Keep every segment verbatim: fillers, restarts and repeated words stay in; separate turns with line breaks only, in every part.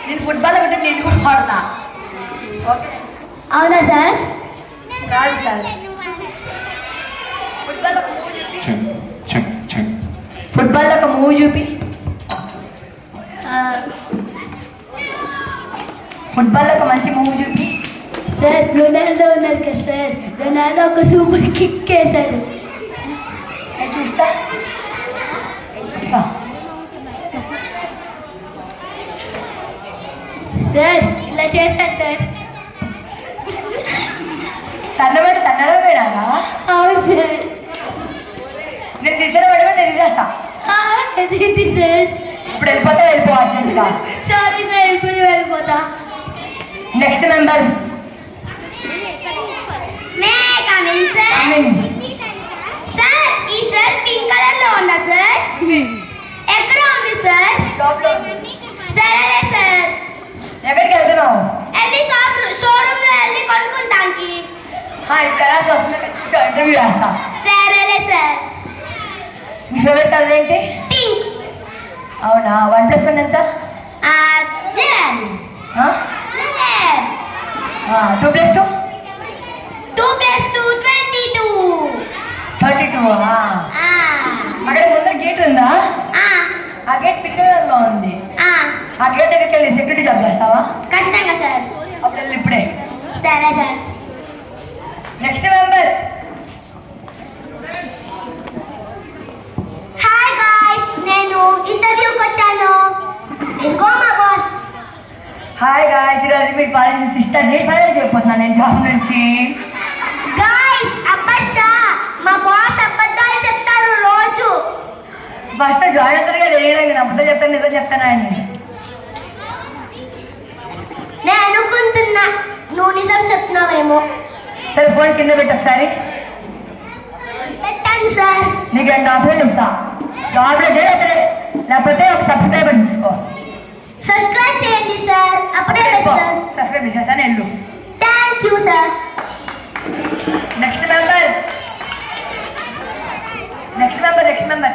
నేను ఫుట్బాల్ ఒకటి నేను కూడా ఆడతా. ఓకే
అవునా సార్?
రాదు సార్. ఫుట్బాల్ ఒక మూవీ చూపి. ఫుట్బాల్ ఒక మంచి మూవీ చూపి.
సార్ రొనాల్డో ఉన్నారు కదా సార్, రొనాల్డో ఒక సూపర్ కిక్ వేశారు.
చూస్తా.
సార్ ఇలా చేశారు సార్.
తన్నబడి తన్నడం వేడాలా?
అవును సార్.
నేను తీసిన పడి నేను తీసేస్తా.
ఇది సార్
ఇప్పుడు వెళ్ళిపోతా వెళ్ళిపో అర్జెంట్గా.
సారీ సార్, వెళ్ళిపోయి వెళ్ళిపోతా.
Next member
sir. ఈ షర్ట్ పింక్ కలర్ లో ఉందా సార్? ఎక్కడ ఉంది సార్? సరే సార్.
ఎక్కడికి వెళ్తున్నావు?
వెళ్ళి షాప్ షోరూమ్ లో వెళ్ళి కొనుక్కుంటానికి.
ఇక్కడ ఇంటర్వ్యూ రాస్తా.
సరేలే సార్.
మీ ఫేవరెట్ కలర్ ఏంటి?
పింక్.
అవునా? వన్ ప్లస్ వన్ ఎంత? Two plus two?
Two plus two twenty two.
Thirty two. అక్కడ ముందర గేట్ ఉందా? ఆ గేట్ పింక్ కలర్లో ఉంది. ఆ గేట్ దగ్గరికి వెళ్ళి సెక్యూరిటీ జాబ్ చేస్తావా?
ఖచ్చితంగా సార్.
అప్పుడు వెళ్ళి ఇప్పుడే.
సరే sir.
Next member.
Hi guys, నేను ఇంటర్వ్యూకి వచ్చాను. ఇంకో మా బాస్.
హాయ్ గాయ్స్, ఈరోజు మీరు కాలేజ్ సిస్టర్ నేను ఫైనల్ చేయబోతున్నాను నేను జాబ్ నుంచి.
గాయ్స్ అబ్బచ్చా, మా బాస్ అబద్ధాలు చెప్తారు రోజు.
ఫస్ట్ జాయిన్ అవుతారు కదా, నేను అబద్ధం చెప్తాను నిజం చెప్తాను అని.
నేను అనుకుంటున్నా నువ్వు నిజం చెప్తున్నావేమో.
సరే ఫోన్ కింద పెట్టి ఒకసారి.
పెట్టాను సార్.
నీకు రెండు ఆప్షన్లు ఇస్తా. జాబ్లో చేయాలి లేకపోతే ఒక సబ్స్క్రైబర్ తీసుకో.
సబ్స్క్రైబ్ చేయండి సార్, అప్పుడే వేస్తాను.
సబ్స్క్రైబ్ చేసేసాను వెళ్ళు.
Thank you sir.
Next member. Next member next member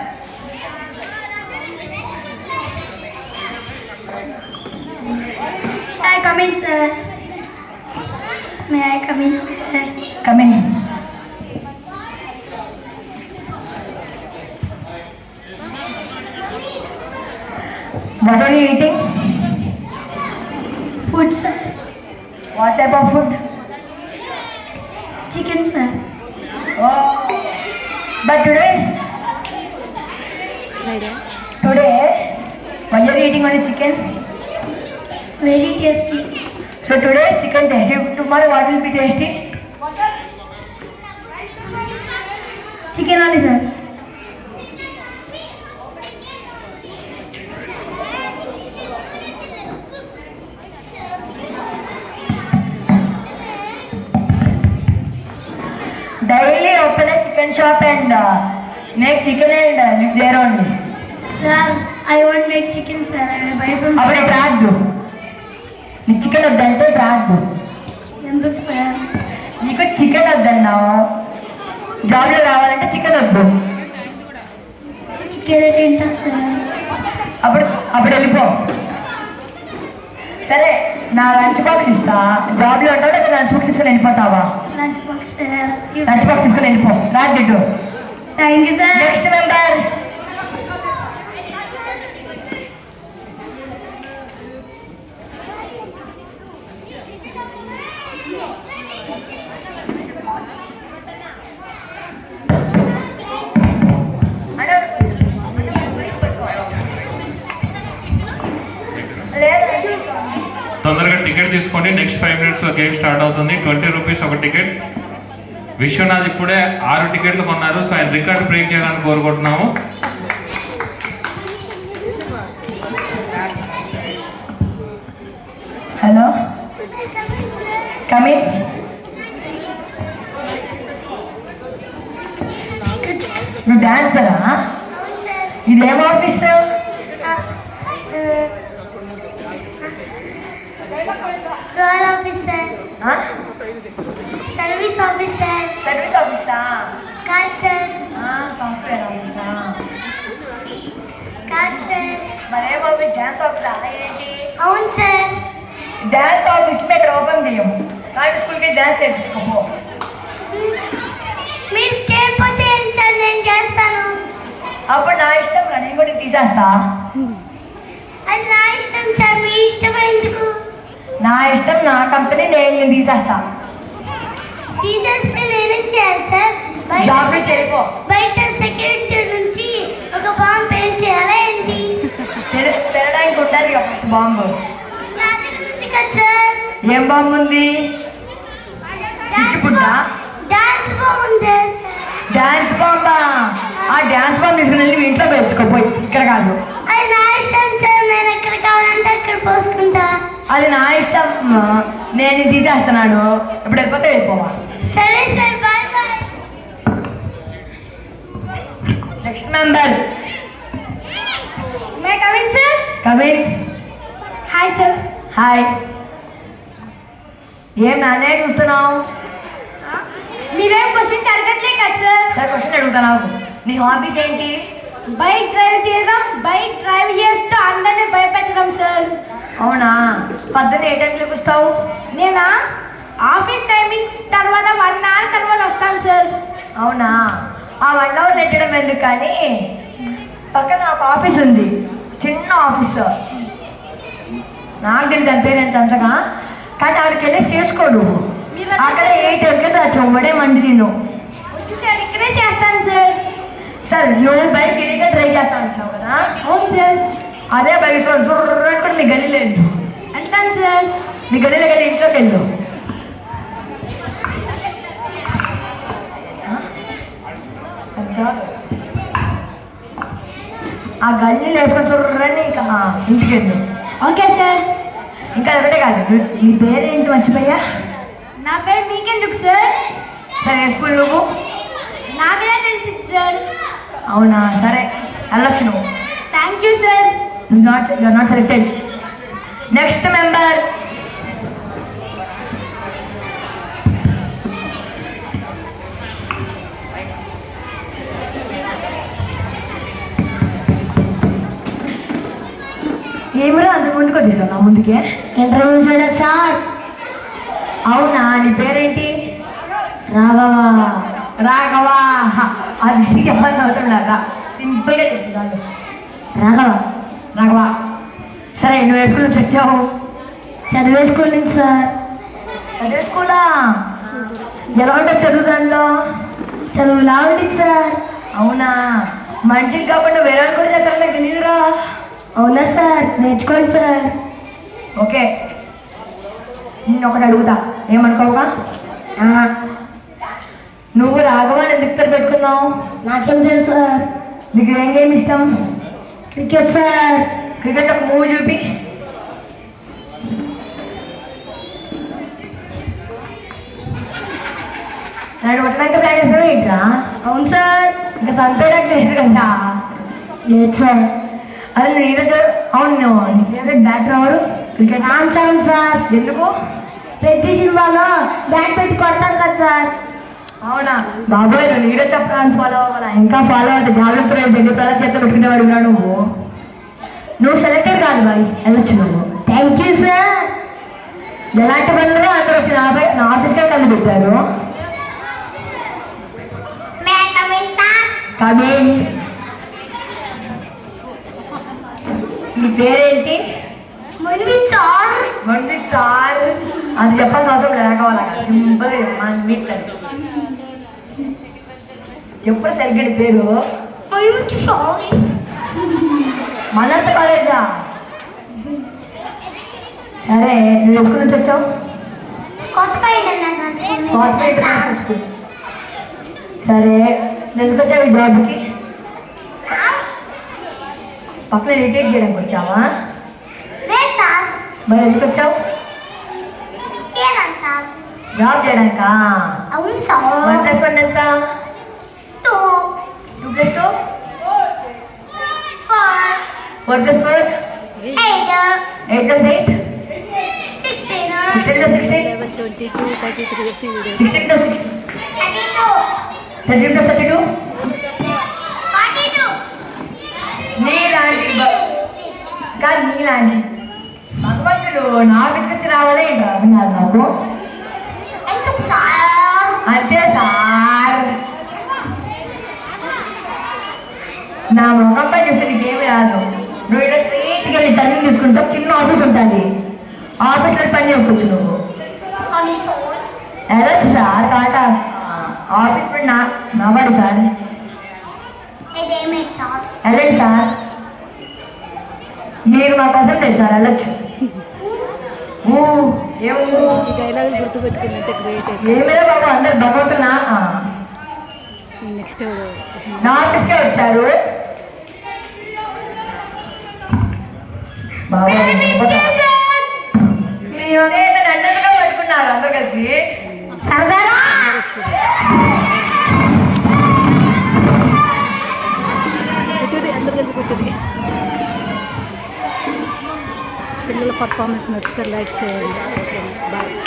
May I come in, sir? May I come in, sir?
Come in. What are you eating?
Food, sir.
What type of food?
Chicken, sir.
Oh, but today is today why are you eating only chicken?
Very tasty.
So today is chicken tasty. Tomorrow what will be tasty?
Chicken only, sir.
Daily open a chicken shop and uh, make chicken and uh, live there only.
Sir, I won't make chicken, sir. I will buy from.
అప్పుడు రాదు. నీ chicken వద్దంటే రాదు.
ఎందుకు sir?
నీకు chicken వద్దన్నావు, జాబ్లో రావాలంటే chicken వద్దు.
చికెన్ రేట్ ఏంటా సార్?
అప్పుడు అప్పుడు వెళ్ళిపో. సరే నా లంచ్ బాక్స్ ఇస్తా. జాబ్లో ఉంటావు లేదా లంచ్ బాక్స్ తీసుకొని వెళ్ళిపోతావా?
Lunch box sir.
Lunch box తీసుకొని వెళ్ళిపో. రాదు.
Thank you sir.
Next member.
తొందరగా టికెట్ తీసుకోండి. నెక్స్ట్ ఫైవ్ మినిట్స్లో గేమ్ స్టార్ట్ అవుతుంది. ట్వంటీ రూపీస్ ఒక టికెట్. విశ్వనాథ్ ఇప్పుడే ఆరు టికెట్లు కొన్నారు. సో ఆయన రికార్డ్ బ్రేక్ చేయాలని కోరుకుంటున్నాము.
Hello, come in. నువ్వు డాన్సరా? ఇదేం office?
Royal officer. Service officer.
Service ఆఫీసా?
కాదు సార్.
సాఫ్ట్వేర్ ఆఫీసా?
కాదు సార్.
మరేం ఆఫీస్? డాన్స్ ఆఫీసా ఏంటి?
అవును సార్.
డ్యాన్స్ ఆఫీస్ ఇక్కడ ఓపెన్ చేయం కానీ స్కూల్కి డ్యాన్స్ నేర్పించుకోపో.
మీరు చేయకపోతే ఏం సార్ నేను చేస్తాను.
అప్పుడు నా ఇష్టం రా, నేను కూడా తీసేస్తా.
అది నా ఇష్టం సార్, మీ ఇష్టం ఎందుకు?
నా ఇష్టం, నా కంపెనీ, నేను నేను తీసేస్తా.
తీసేస్తే నేనేం చేయాలి సార్?
జాబ్
బయట
చేయపో.
బయట సెక్యూరిటీ నుంచి ఒక బాంబు పేల్ చేయాలా ఏంటి?
తెర- తెరడానికి ఉండాలి కదా బాంబు.
నా దగ్గర ఉంది కదా సార్.
ఏం బాంబు ఉంది? పిచ్చిపుడ్డా?
డాన్స్ బాగుంది సార్.
డ్యాన్స్ బాంబా? ఆ డ్యాన్స్ బాంబ్ తీసుకుని వెళ్ళి మీ ఇంట్లో పెంచుకోపోయి, ఇక్కడ కాదు.
అది నా ఇష్టం సార్, నేను ఎక్కడ కావాలంటే అక్కడ పోసుకుంటా.
అది నా ఇష్టం, నేను ఇది తీసేస్తున్నాను. ఇప్పుడు వెళ్ళిపోతే వెళ్ళిపోవా.
సరే sir, bye bye.
Next member
may coming sir?
Kabir.
Hi sir.
Hi. ఏం నాన్నే చూస్తున్నావు?
మీరేం క్వశ్చన్ అడగట్లే కదా సార్?
సరే క్వశ్చన్ అడుగుతున్నావు. నీ హాబీస్ ఏంటి?
బైక్ డ్రైవ్ చేయడం, బైక్ డ్రైవ్ చేస్తూ అందరినీ భయపెట్టడం సార్.
అవునా? పొద్దున్న ఏ టైంకి వస్తావు?
నేనా ఆఫీస్ టైమింగ్స్ తర్వాత వన్ అవర్ తర్వాత వస్తాను సార్.
అవునా? ఆ వన్ అవర్ లెట్టడం ఎందుకు కానీ పక్కన ఒక ఆఫీస్ ఉంది, చిన్న ఆఫీస్. నాకు తెలిసి పేరు ఎంత అంతగా, కానీ ఆడికి వెళ్ళి చేసుకోడు. అక్కడ ఏ టైంకి నా చొమ్మడే మండి నేను.
సార్ ఇక్కడే చేస్తాను సార్.
సార్ నువ్వు బైక్ ఇదిగా ట్రై చేస్తా అంటున్నావు కదా?
అవును సార్.
అదే బైక్ చూడకుండా మీ గల్లీలో వెళ్ళు.
అంటాను సార్.
మీ గల్లీలోకి వెళ్ళి ఇంట్లోకి వెళ్ళు. ఆ గల్లీలో వేసుకొని చూడండి, ఇంకా ఇంటికి వెళ్ళు.
Okay sir.
ఇంకా ఒకటే కాదు, నీ పేరేంటి మర్చిపోయా?
నా పేరు మీకెందుకు సార్?
సరే ఏ స్కూల్ నువ్వు?
నాకే తెలిసింది సార్.
అవునా? సరే వెళ్ళొచ్చు నువ్వు.
Thank you sir.
Not you are not selected. Next member ఏమిరా అంత ముందుకు వచ్చేసావు నా ముందుకే?
ఇంటర్వ్యూ చేయడం సార్.
అవునా? నీ పేరేంటి?
రాఘవా.
రాఘవా. అది ఎవరిని అవుతున్నారా? సింపుల్గా చెప్తున్నాను.
రాఘవ.
రాఘవా. సరే నువ్వు ఏ స్కూల్ నుంచి వచ్చావు?
చదివే స్కూల్ నుంచి సార్.
చదివే స్కూలా? ఎలా ఉంటుంది చదువు దాంట్లో?
చదువులా ఉంటుంది సార్.
అవునా? మంచిది కాకుండా వేరే వాళ్ళు కూడా ఎక్కడ నాకు తెలియదురా.
అవునా సార్? నేర్చుకోండి సార్.
ఓకే, నిన్ను ఒకటి అడుగుతా, ఏమనుకోవుగా? నువ్వు రాఘవాన్ని ఎందుకు పేరు పెట్టుకున్నావు?
నాకేం తెలుసు సార్.
నీకు ఏం గేమ్ ఇష్టం?
Cricket sir.
క్రికెట్ ఒక మూవీ చూపి. నన్ను కొట్టడానికి ప్లాన్ చేస్తావా ఏంట్రా?
అవును సార్.
ఇంకా చంపేయడానికి లేదు కదా?
లేదు సార్.
అదే నేను ఈరోజు అవును, నీ ఫేవరెట్ బ్యాటర్ ఎవరు క్రికెట్?
రామ్ చరణ్ సార్.
ఎందుకు?
ప్రతి సినిమాలో బ్యాట్ పెట్టి కొడతారు కదా సార్.
అవునా? బాబోయ్ నువ్వు నీరజ్ చెప్పడానికి ఫాలో అవ్వాలా? ఇంకా ఫాలో అవుతా. జాగ్రత్త దగ్గర ప్రజల చేత పెట్టుకునేవాడు ఉన్నాడు నువ్వు. నువ్వు సెలెక్టెడ్ కాదు బాయ్, వెళ్ళొచ్చు నువ్వు.
Thank you sir.
ఎలాంటి బంధువులు అందరూ వచ్చి నా నా ఆఫీస్కే కలిసి పెట్టారు. కానీ నీ పేరేంటి?
మన్విత్ సార్.
మంది చార్ అది చెప్పాల్సిన అవసరం లేకపోవాలా? సింపుల్ మీట్ చెప్పు సరిగ్గా నీ పేరు.
మన్విత్ సార్.
మనంత కాలేజా? సరే నువ్వు స్కూల్ నుంచి వచ్చావు? Corporate school. సరే ఎందుకు వచ్చావు ఈ జాబ్కి? పక్కన రిటైర్ చేయడానికి వచ్చావా? మరి ఎందుకు వచ్చావు? జాబ్ చేయడానికా?
అవును
వన్ ప్లస్ వన్ ఎంత?
Two.
Two plus two? Four plus four?
Eight.
Eight plus eight?
Sixteen.
Sixteen plus sixteen? Sixteen plus sixteen?
Thirty two.
Thirty plus thirty two?
Forty two.
నీలాంటి బ- కాదు నీలాంటి భగవంతుడు రోజులు నా ఆఫీస్కి వచ్చి రావాలే ఏంటి అర్థం కాదు నాకు.
ఎందుకు సార్?
అంతే సార్. నా ముఖంపై చూస్తే నీకేమి రాదు. నువ్వు ఇలా స్ట్రీట్కి వెళ్ళి టర్నింగ్ తీసుకుంటావు, చిన్న ఆఫీస్ ఉంటుంది, ఆఫీస్లో పని చేసుకోవచ్చు నువ్వు. వెళ్ళొచ్చు సార్, కాటా ఆఫీస్ పని నా నావాడు సార్. వెళ్ళండి సార్, మీరు మా కోసం లేదు సార్, వెళ్ళొచ్చు. ఏమో
డైలాగులు గుర్తుపెట్టుకున్నట్టు గ్రేట్.
ఏమైనా బాబు అందరు భగవంతునా
నెక్స్ట్
నా ఆఫీస్కే వచ్చారు బాబా. మీరు నన్నుగా పట్టుకున్నారు అందరు కలిసి.
కూర్చోండి, అందరు కలిసి కూర్చోండి. పిల్లల పర్ఫార్మెన్స్ నచ్చితే లైక్ చేయండి. బాయ్.